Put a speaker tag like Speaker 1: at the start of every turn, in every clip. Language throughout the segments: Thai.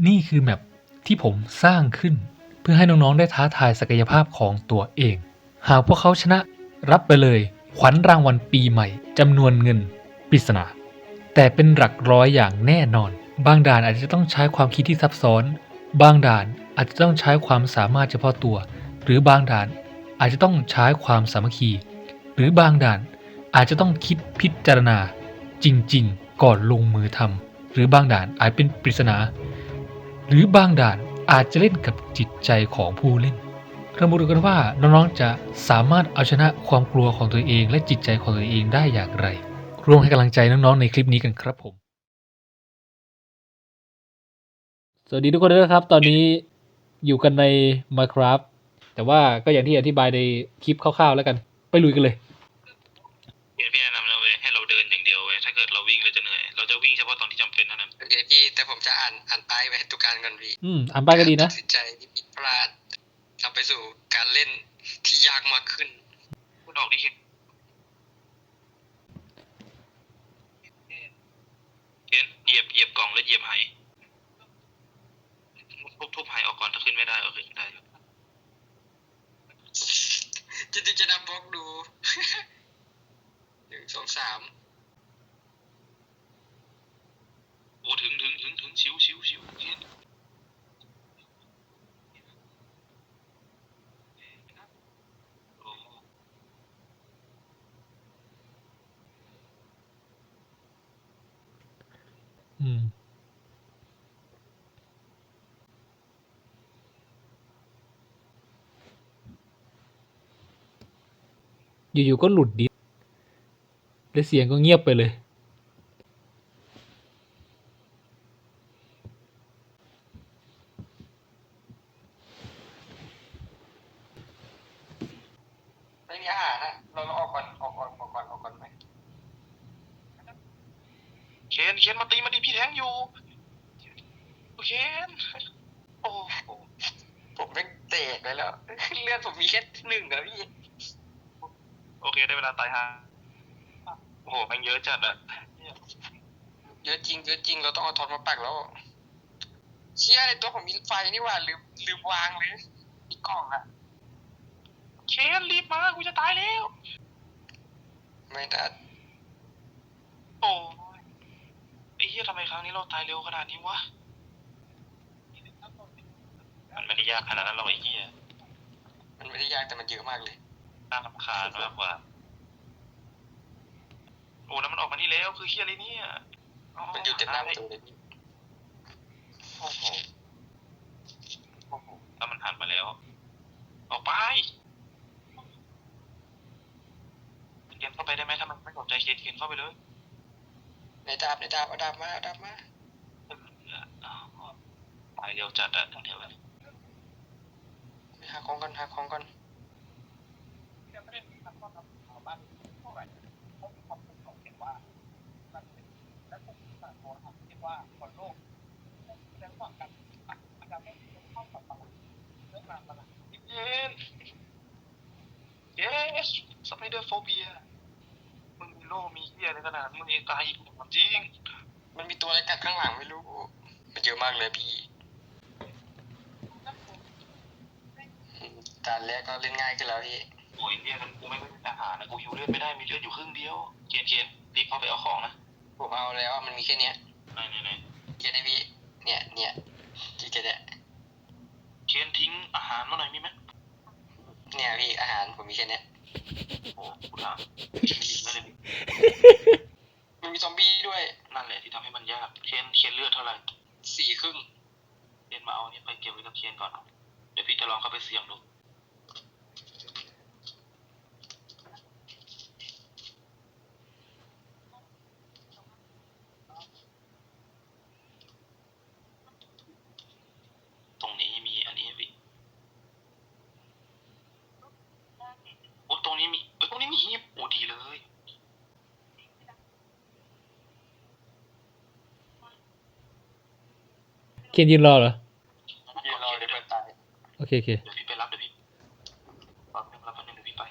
Speaker 1: นี่คือแมปที่ผมสร้างขึ้นเพื่อให้น้องๆได้ท้าทายศักยภาพของตัวเอง หากพวกเขาชนะรับไปเลยขวัญรางวัลปีใหม่จำนวนเงินปริศนาแต่เป็นหลักร้อยอย่างแน่นอนบางด่านอาจจะต้องใช้ความคิดที่ซับซ้อนบางด่านอาจจะต้องใช้ความสามารถเฉพาะตัวหรือบางด่านอาจจะต้องใช้ความสามัคคีหรือบางด่านอาจจะต้องคิดพิจารณาจริงๆก่อนลงมือทำหรือบางด่านอาจเป็นปริศนาหรือบางด่านอาจจะเล่นกับจิตใจของผู้เล่นเรามาดูกันว่าน้องๆจะสามารถเอาชนะความกลัวของตัวเองและจิตใจของตัวเองได้อย่างไรร่วมให้กำลังใจน้องๆในคลิปนี้กันครับผมสวัสดีทุกคนด้วยนะครับตอนนี้อยู่กันใน Minecraft แต่ว่าก็อย่างที่อธิบายในคลิปคร่าวๆแล้วกันไปลุยกันเลย
Speaker 2: พี่แนะนำนะเว้ยให้เราเดินอย่างเดียวเว้ยถ้าเกิดเราวิ่งเราจะเหนื่อยเราจะวิ่งเฉพาะตอนที่จำเป็นเท่านั้นโอเคพี่แต่ผมจะอ่านป้ายไว้ให้ทุกการก่อนพี่
Speaker 1: อ่านป้ายก็ดีนะ
Speaker 2: ตัดสินใจที่ผิดพลาดนำไปสู่การเล่นที่ยากมากขึ้นคุณออกดิเคนเหยียบกล่องแล้วเหยียบไหทุบไหออกก่อนถ้าขึ้นไม่ได้โอเคได้จะนับบล็อกดู 1 2 3โอ้ถึงชิวเห็น
Speaker 1: อยู่ๆก็หลุดดิสและเสียงก็เงียบไปเลย
Speaker 2: ไม่มีอาหารนะเราออกก่อนไหมเคนมาตีมาดิพี่แทงอยู่เคนโอ้ผมไม่เตะไปแล้วเลือดผมมีแค่1อะพี่โอเคได้เวลาตายฮะโอ้โหแม่งเยอะจัดอะเยอะจริงเราต้องเอาทอนมาปักแล้วเชี่ยในตัวผมมีไฟนี่หว่าลืมวางเลยอีกกล่องอะเคนรีบมากูจะตายแล้วไม่ได้โอ้ยไอ้เหี้ยทำไมครั้งนี้เราตายเร็วขนาดนี้วะมันไม่ได้ยากขนาดนั้นหรอกไอ้เหี้ยมันไม่ได้ยากแต่มันเยอะมากเลยน่ารำคาญมากกว่าโอ้แล้วมันออกมานี่แล้วคือเหี้ยอะไรเนี่ยมันอยู่เต็มหน้าประตูเลยพี่โอ้โหแล้วมันหันมาแล้วออกไปเขียนเข้าไปได้ไหมถ้ามันไม่สนใจเขียนเข้าไปเลยในดาบเอาดาบมาตายเร็วจัดอะทั้งเดียวเลยหาของก่อนเยสสไปเดอร์โฟเบียมึงมีโล่มีเหี้ยอะไรขนาดมึงเองตายอีกจริงมันมีตัวอะไรกัดข้างหลังไม่รู้มันเยอะมากเลยพี่การแรกก็เล่นง่ายขึ้นแล้วพี่โอ้ยเรียกกันกูไม่เป็นทหารนะกูฮิวเลือดไม่ได้มีเลือดอยู่ครึ่งเดียวเขียนรีบเข้าไปเอาของนะผมเอาแล้วมันมีแค่เนี้ยไหนเขียนได้พี่เนี่ยกี่แค่เนี้ยเขียนทิ้งอาหารมาหน่อยมีไหมเนี่ยพี่อาหารผมมีแค่เนี้ยโอ้กูถามนั่นเลยมันมีซอมบี้ด้วยนั่นแหละที่ทำให้มันยากเขียนเลือดเท่าไหร่4 ครึ่งเขียนมาเอาเนี่ยไปเก็บไว้กับเขียนก่อนเดี๋ยวพี่จะลองเข้าไปเสี่ยงดูตรงนี้มีอันนี้พี่โอ้ตรงนี้มีฮีบโอ้ดีเลย
Speaker 1: เคนยืนรอเหรอ
Speaker 2: ยืนรอเดี๋ยวเพื่อนตาย
Speaker 1: โอเค
Speaker 2: เดี๋ยวพี่ไปรับเดี๋ยวพี่รับแป๊บนึงเดี๋ยวพี่ไป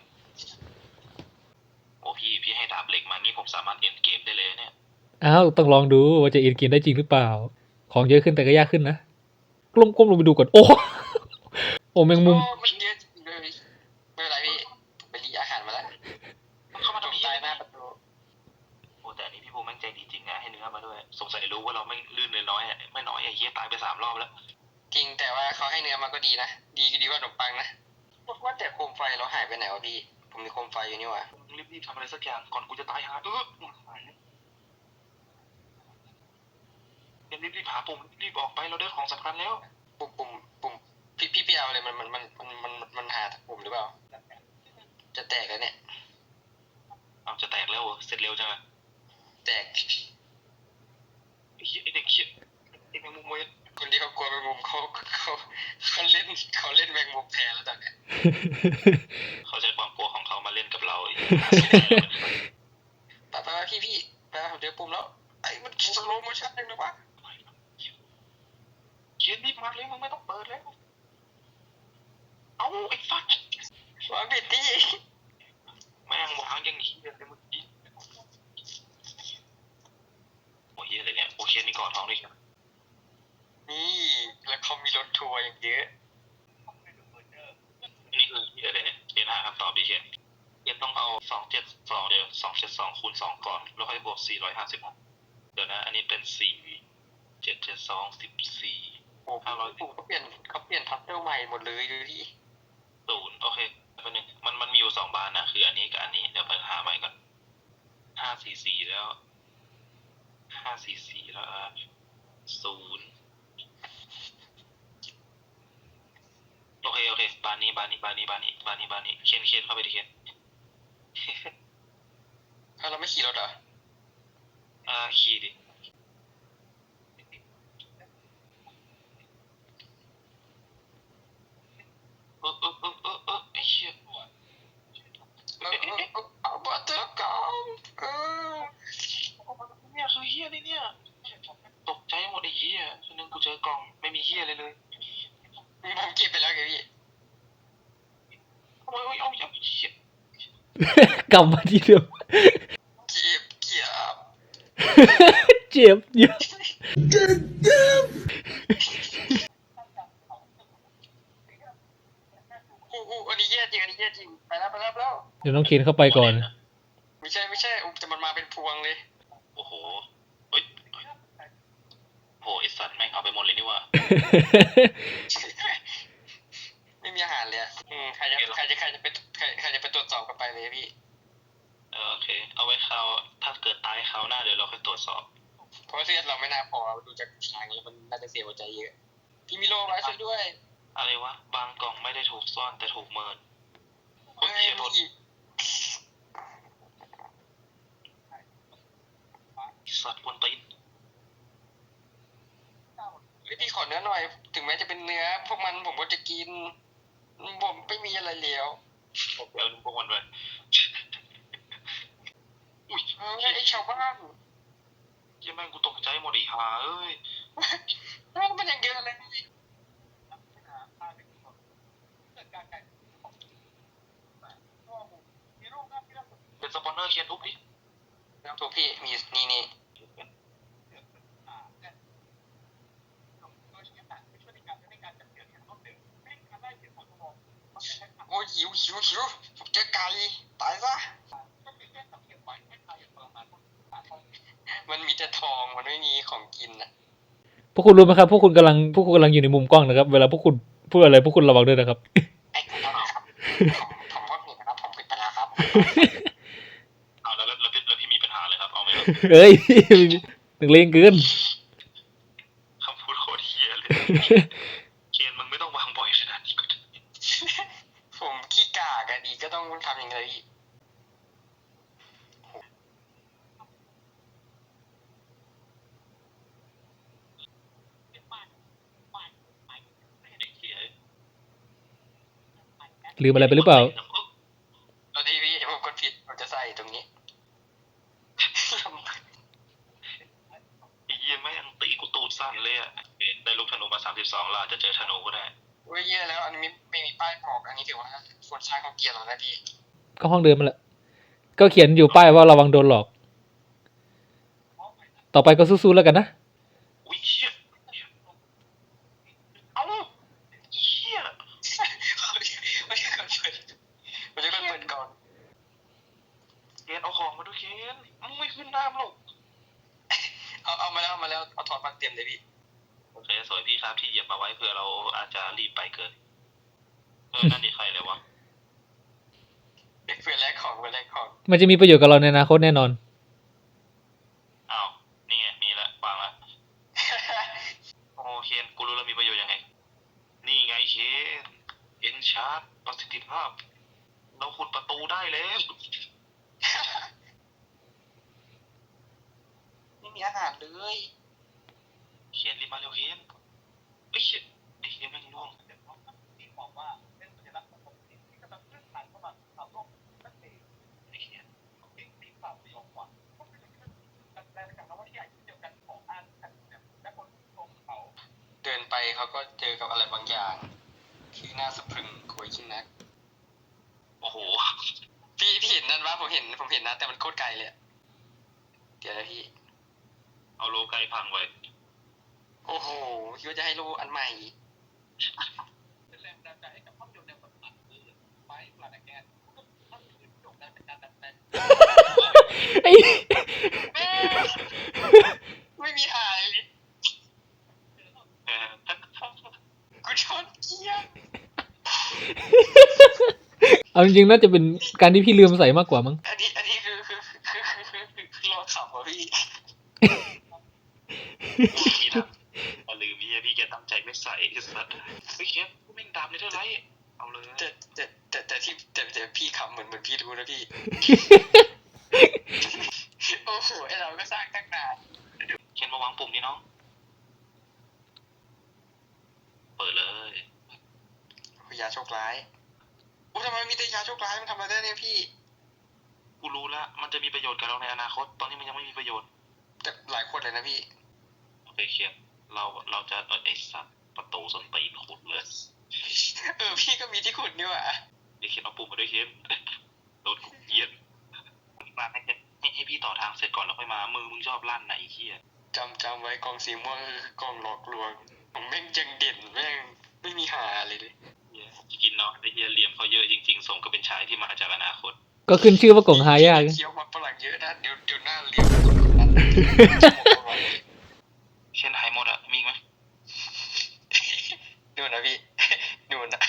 Speaker 2: โอ้พี่ให้ดาบเหล็กมางี้ผมสามารถเอ็นเกมได้เลยเนี่ย
Speaker 1: อ้าวต้องลองดูว่าจะเอ็นเกมได้จริงหรือเปล่าของเยอะขึ้นแต่ก็ยากขึ้นนะก้มลงไปดูก่อนโอ้โอ้แมงมุม
Speaker 2: มันเยอะจริงเลยไม่เป็นไรพี่ผมไปรีอาหารมาแล้วเข้ามาทำตายหน้าประตูโอ้แต่อันนี้พี่ภูมิแม่งใจดีจริงนะให้เนื้อมาด้วยสงสัยรู้ว่าเราไม่ลื่นเลยน้อยอ่ะไม่น้อยไอ้เหี้ยตายไป3 รอบแล้วจริงแต่ว่าเขาให้เนื้อมาก็ดีนะดีกว่าขนมปังนะว่าแต่โคมไฟเราหายไปไหนวะพี่ผมมีโคมไฟอยู่นี่หว่ารีบทำอะไรสักอย่างก่อนกูจะตายหารีบหาปุ่มรีบออกไปเราได้ของสำคัญแล้วปุ่มพี่ไปเอาอะไรมันหาปุ่มหรือเปล่าจะแตกแล้วเนี่ยเอาจะแตกแล้วเสร็จเร็วจังแตกไอ้เด็กเขี้ยไอ้แมงมุมเว้ยคนที่เขากลัวแมงมุมเขาเล่นแมงมุมแทนแล้วตอนเนี้ยเขาใช้ความกลัวของเขามาเล่นกับเราไปพี่ไปผมเจอปุ่มแล้วไอ้มันสโลว์โมชั่นยังไงวะเขียนรีบมาเลยมึงไม่ต้องเปิดแล้วเอาไอ้ฟักวางเบ็ดดิแม่งวางอย่างนี้เลยเมื่อกี้โอ้ยอะไรเนี่ยโอเคนี่ก่อนท้องด้วยใช่ไหมนี่แล้วเขามีรถทัวร์อย่างเยอะนี่คืออะไรเนี่ยเรียนหาคำตอบดิเชียนเรียนต้องเอา272เดี๋ยว272คูณ2ก่อนแล้วค่อยบวก450เดี๋ยวนะอันนี้เป็น477214โอ้500เขาเปลี่ยนทับเติลใหม่หมดเลยดูดิ0โอเคเป็นหนึ่งมันมีอยู่2 บานนะคืออันนี้กับอันนี้เดี๋ยวไปหาใหม่ก่อน544แล้ว544แล้ว0โอเคบานนี้เคนเข้าไปดิเคนเราไม่ขี่รถเหรอขี่ดิไอ้เหี้ยเอาบัตเตอร์กองเนี่ยคือเหี้ยเลยเนี่ยตกใจหมดไอ้เหี้ยฉันนึกกูเจอกล่องไม่มีเหี้ยเลยผมเก็บไปแล้วไงพี่โอ้ยเอาเหี้ย
Speaker 1: กลับมาที่เดิม
Speaker 2: เก็บ
Speaker 1: เจ็บเยอะ
Speaker 2: อันนี้แย่จริงไปแล้ว
Speaker 1: เดี๋ยวน้องเคนเข้าไปก่อน
Speaker 2: ไม่ใช่แต่มันมาเป็นพวงเลยโอ้โหเฮ้ยโหไอสัตว์แม่งเอาไปหมดเลยนี่ว่า ไม่มีอาหารเลยใครจะไปตรวจสอบกันไปเลยพี่โอเคเอาไว้ถ้าเกิดตายคราวหน้าเดี๋ยวเราค่อยตรวจสอบเพราะเลือดเราไม่น่าพอดูจากทางนี้มันน่าจะเสียหัวใจเยอะพี่มีโรคอะไรช่วยด้วยอะไรวะบางกล่องไม่ได้ถูกซ่อนแต่ถูกเมินโอเคโทษสัตว์บนตีนพี่ขอเนื้อหน่อยถึงแม้จะเป็นเนื้อพวกมันผมก็จะกินผมไม่มีอะไรแล้วผมเอาพวกมันไปอุ้ยไอ้ชาวบ้านยังแม่งกูตกใจหมดอีห่าเอ้ยมันยังเยอะเลยเป็นสปอนเนอร์เคียนทุบดิทุบพี่มีนี่โอ้ยหิวผมเจอไก่ตายซะมันมีแต่ทองมันไม่มีของกินอ่ะ
Speaker 1: พวกคุณรู้ไหมครับพวกคุณกำลังอยู่ในมุมกล้องนะครับเวลาพวกคุณพูดอะไรพวกคุณระวังด้วยนะครับ
Speaker 2: ไอ้คุณต้องครับผมก็ผิดนะครับผมผิดไปแล้วครับเอาแล้วพี่มีปัญหาเลยครับเอาไหมครับ
Speaker 1: เอ้ยตึงเลงเกิน
Speaker 2: คำพูดโคตรเฮี้ยเลยเคียนมึงไม่ต้องวางบ่อยขนาดนี้ก็ได้ผมขี้กากอะดีก็ต้องทำอย่างไรพี่
Speaker 1: ลืมอะไรไปหรือเปล่า
Speaker 2: ตอนนี้พี่ผมกดผิดผมจะใส่ตรงนี้ไอ้เหี้ยแม่งตีกูตูดสั่นเลยอ่ะได้ลูกธนูมา32แล้วจะเจอธนูก็ได้โอ้ยเยอะแล้วอันนี้ไม่มีป้ายบอกอันนี้ถือว่าคนใช้ของเกียร์แล้วนะพี่
Speaker 1: ก็ห้องเดิมมาแหละก็เขียนอยู่ป้ายว่าระวังโดนหลอก ต่อไปก็สู้ๆแล้วกันนะ
Speaker 2: อุ้ยเชี่ยแล้วเอาถอดมาเต็มเลยพี่โอเคสวยพี่ครับที่เหยียบมาไว้เผื่อเราอาจจะรีบไปเกินนั่นนี่ใครเลยวะเพื่อนแลกของเพื่อนแลกของ
Speaker 1: มันจะมีประโยชน์กับเราในอนาคตแน่นอน
Speaker 2: อ้าวนี่ไงมีละวางละ โอเคนกูรู้แล้วมีประโยชน์ยังไงนี่ไงเคนเอ็นชาร์ดประสิทธิภาพเราขุดประตูได้แล้วไม่มีอาหารเลยเขียนรีบมาเร็วเขียนเอ้ยไอ้เขียนแม่งล่วงที่บอกว่าเป็นสัญลักษณ์ของผมที่กำลังเคลื่อนผ่านเข้ามาทำโลกนั่นเองไอ้เขียนเก่งที่ฝ่าไปยอมกว่าก็คือการแปลจากคำว่าที่ใหญ่เดียวกันของอ่านกันและคนตรงเขาเดินไปเขาก็เจอกับอะไรบางอย่างที่น่าสะพรึงโคยชินนักโอ้โหพี่เห็นนั่นวะผมเห็นนะแต่มันโคตรไกลเลยเดี๋ยวนะพี่เอาโลไกลพังไว้โอ้โหคิดว่าจะให้โลอันใหม่เป็นแรงดันใจให้กับภาพยนตร์แนวสัตว์คือไฟปลาแกนภาพยนตร์โด่งดังเป็นการดัดแปลงไม่มีหายกูชนเกียร์
Speaker 1: เอาจริงๆน่าจะเป็นการที่พี่ลืมใส่มากกว่ามั้ง
Speaker 2: อันนี้คือรอขับอ่ะพี่พี่ทำลืมพี่แกตั้งใจไม่ใส่สัตว์เฮ้ยแกกูแม่งดำเลยเท่าไรเอาเลยแต่พี่ขำเหมือนพี่รู้นะพี่ โอ้โหไอเราก็สร้างตั้งนานเขียนมาวางปุ่มนี่น้องเปิดเลยยาโชคร้ายโอ้ทำไมมีแต่ยาโชคร้ายมันทำอะไรได้เนี่ยพี่กูรู้ละมันจะมีประโยชน์กับเราในอนาคตตอนนี้มันยังไม่มีประโยชน์แต่หลายคนเลยนะพี่โอเคเขียนเราจะไอ้สัตว์ประตูส้นตีนขุดเลยพี่ก็มีที่ขุดนี่หว่าเดี๋ยวเขียนเอาปุ่มมาด้วยเขียนโดนขุดเยียนมาให้พี่ต่อทางเสร็จก่อนแล้วค่อยมามือมึงชอบลั่นไหนเขี้ยจำไว้กองสีม่วงคือกองหลอกลวงผมแม่งยังเด่นแม่งไม่มีหาเลยกินเนาะไอ้เหี้ยเหลี่ยมเขาเยอะจริงๆสมก็เป็นชายที่มาจากอนาคต
Speaker 1: ก็ขึ้นชื่อว่ากล่องหายาก
Speaker 2: เคี้ยวมันฝรั่งเยอะนะเดี๋ยวหน้าเหลี่ยมเช่นหายหมดอ่ะมีไหมดูนะพี่ดูนะ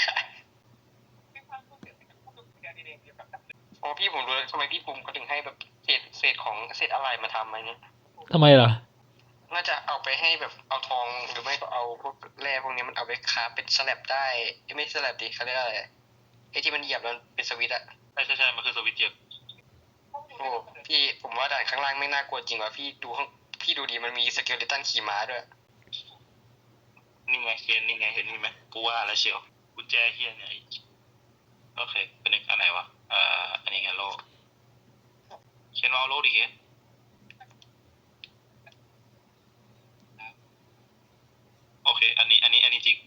Speaker 2: อ๋อพี่ผมรู้ทำไมพี่ภูมิเขาถึงให้แบบเศษของเศษอะไรมาทำไหมเนี่ย
Speaker 1: ทำไมล่ะ
Speaker 2: น่าจะเอาไปให้แบบเอาทองหรือไม่ก็เอาพวกแร่พวกนี้มันเอาไปคราฟเป็นสแลบได้ไม่สแลบดิเขาเรียกอะไรไอ้ที่มันเหยียบแล้วเป็นสวิตช์อะใช่มันคือสวิตช์เยอะโอ้พี่ผมว่าด่านข้างล่างไม่น่ากลัวจริงว่ะพี่ดูดีมันมีสเกลเลตันขี่ม้าด้วยนี่ไงเคนนี่ไงเห็นไหมกูว่าแล้วเชียวกุญแจเฮียเนี่ยโอเคเป็นอันไหนวะอันนี้ไงโลเคนเอาโลดิเคนโอเคอันนี้จริง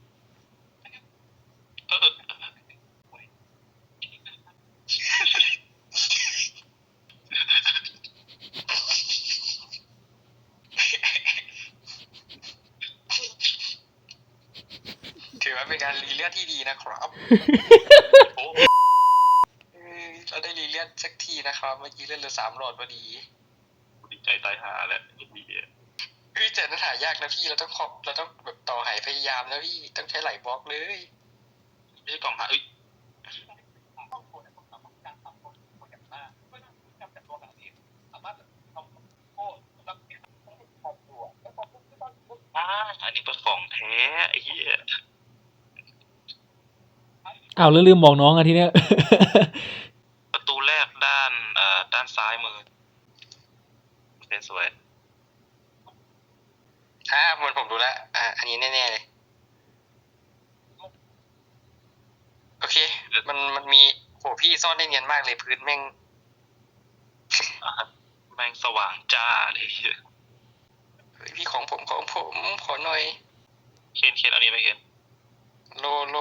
Speaker 2: ถือว่าเป็นการรีเลือดที่ดีนะครับเราได้รีเลือดสักทีนะครับเมื่อกี้เลือดเหลือ3 หลอดพอดีดีใจตายหาแหละดีแต่นั้นหายากนะพี่เราต้องแบบต่อหายพยายามนะพี่ต้องใช้หลายบล็อกเลยไม่ใช่กล่องหาอันนี้เป็นของแท้ไอ้เหี้ย
Speaker 1: อ้าวแล้วลืมบอกน้องอะทีเนี้ย
Speaker 2: ประตูแรกด้านซ้ายมือเป็นสวยเหมือนผมดูแล้วอันนี้แน่ๆเลยโอเคมันมีโหพี่ซ่อนได้เนียนมากเลยพื้นแม่งสว่างจ้าเลยเฮ้ยพี่ของผมขอหน่อยเคนอันนี้ไปเคนโล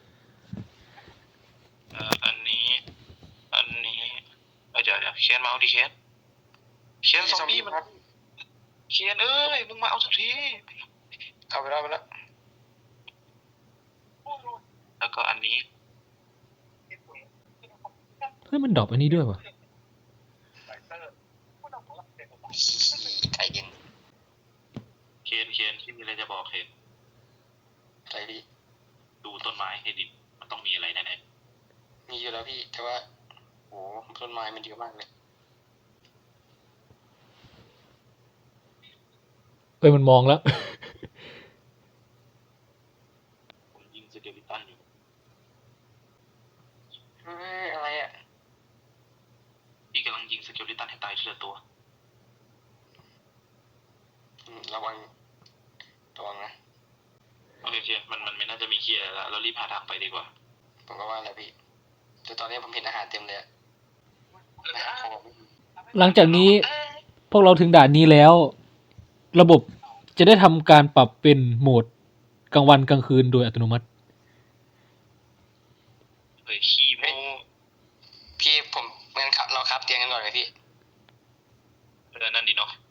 Speaker 2: อันนี้เดี๋ยวเคนมาเอาดิเคนซอมบี้มันเคนเอ้ยมึงมาเอาสักทีเอาไปแล้วแล้วก็อันนี้
Speaker 1: เฮ้ยมันดรอปอันนี้ด้วยวะ
Speaker 2: ใจเย็น
Speaker 3: เคนที่มีอะไรจะบอกเคน
Speaker 2: อะไรพี่
Speaker 3: ดูต้นไม้ให้ดีมันต้องมีอะไรแน่
Speaker 2: มีอยู่แล้วพี่ แต่ว่าโอ้ต้นไม้มันเยอะมากเลย
Speaker 1: มันมองแล้ว
Speaker 3: ๆผมยิงสเกลิตันอยู่
Speaker 2: เฮ้ยอะไรอ่ะ
Speaker 3: พี่กำลังยิงสเกลิตันให้ตายทีละตัว
Speaker 2: ระวังนะ
Speaker 3: โอเคมันไม่น่าจะมีเคลียร์แล้วเรารีบหาทางไปดีกว่า
Speaker 2: ผมก็ว่าแล้วพี่แต่ตอนนี้ผมเห็นอาหารเต็มเลยอะอาหารของผมไม่มี
Speaker 1: หลังจากนี้พวกเราถึงด่านนี้แล้ว ระบบจะได้ทำการปรับเป็นโหมดกลางวันกลางคืนโดยอัตโนมัติ
Speaker 3: เฮ้ยขี้โม
Speaker 2: พี่ผมงั้นเราครับเตียงกันก่อนไหมพี่
Speaker 3: นั่นดีเนาะ